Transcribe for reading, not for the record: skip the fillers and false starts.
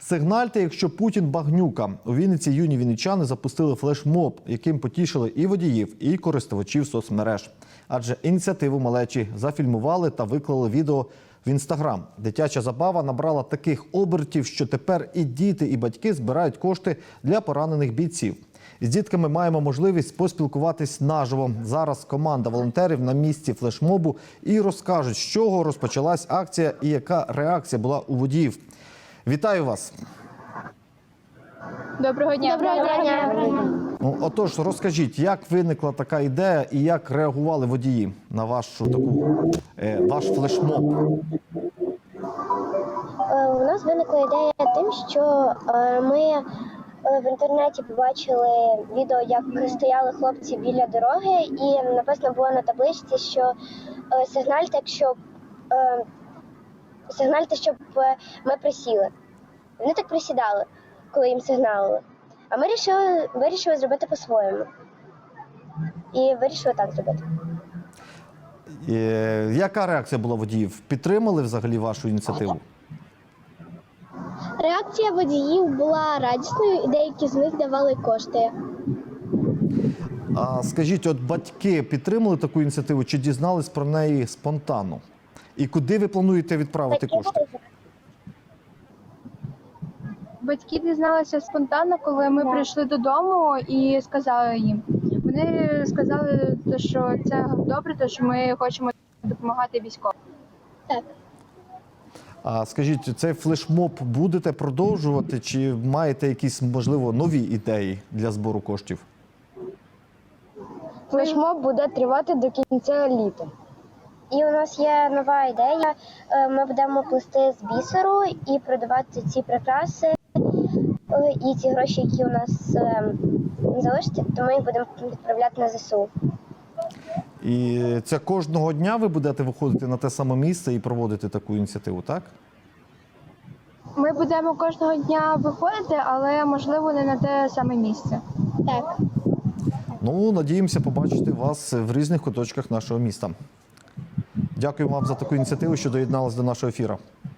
Сигнальте, якщо Путін багнюка. У Вінниці юні вінничани запустили флешмоб, яким потішили і водіїв, і користувачів соцмереж. Адже ініціативу малечі зафільмували та виклали відео в Інстаграм. Дитяча забава набрала таких обертів, що тепер і діти, і батьки збирають кошти для поранених бійців. З дітками маємо можливість поспілкуватись наживо. Зараз команда волонтерів на місці флешмобу і розкажуть, з чого розпочалась акція і яка реакція була у водіїв. Вітаю вас! Доброго дня! Доброго дня! Отож, розкажіть, як виникла така ідея і як реагували водії на ваш флешмоб? У нас виникла ідея тим, що ми в інтернеті побачили відео, як стояли хлопці біля дороги, і написано було на табличці, що сигнальте, щоб ми присіли. Вони так присідали, коли їм сигналили. А ми вирішили зробити по-своєму. І вирішили так зробити. Яка реакція була водіїв? Підтримали взагалі вашу ініціативу? Реакція водіїв була радісною, і деякі з них давали кошти. А скажіть, от батьки підтримали таку ініціативу чи дізнались про неї спонтанно? І куди ви плануєте відправити кошти? Батьки дізналися спонтанно, коли ми прийшли додому і сказали їм. Вони сказали, що це добре, що ми хочемо допомагати військовим. Так. А скажіть, цей флешмоб будете продовжувати чи маєте якісь, можливо, нові ідеї для збору коштів? Флешмоб буде тривати до кінця літа. І у нас є нова ідея. Ми будемо плести з бісеру і продавати ці прикраси. І ці гроші, які у нас залишаться, то ми їх будемо відправляти на ЗСУ. І це кожного дня ви будете виходити на те саме місце і проводити таку ініціативу, так? Ми будемо кожного дня виходити, але, можливо, не на те саме місце. Так. Ну, надіємося побачити вас в різних куточках нашого міста. Дякую вам за таку ініціативу, що доєдналися до нашого ефіру.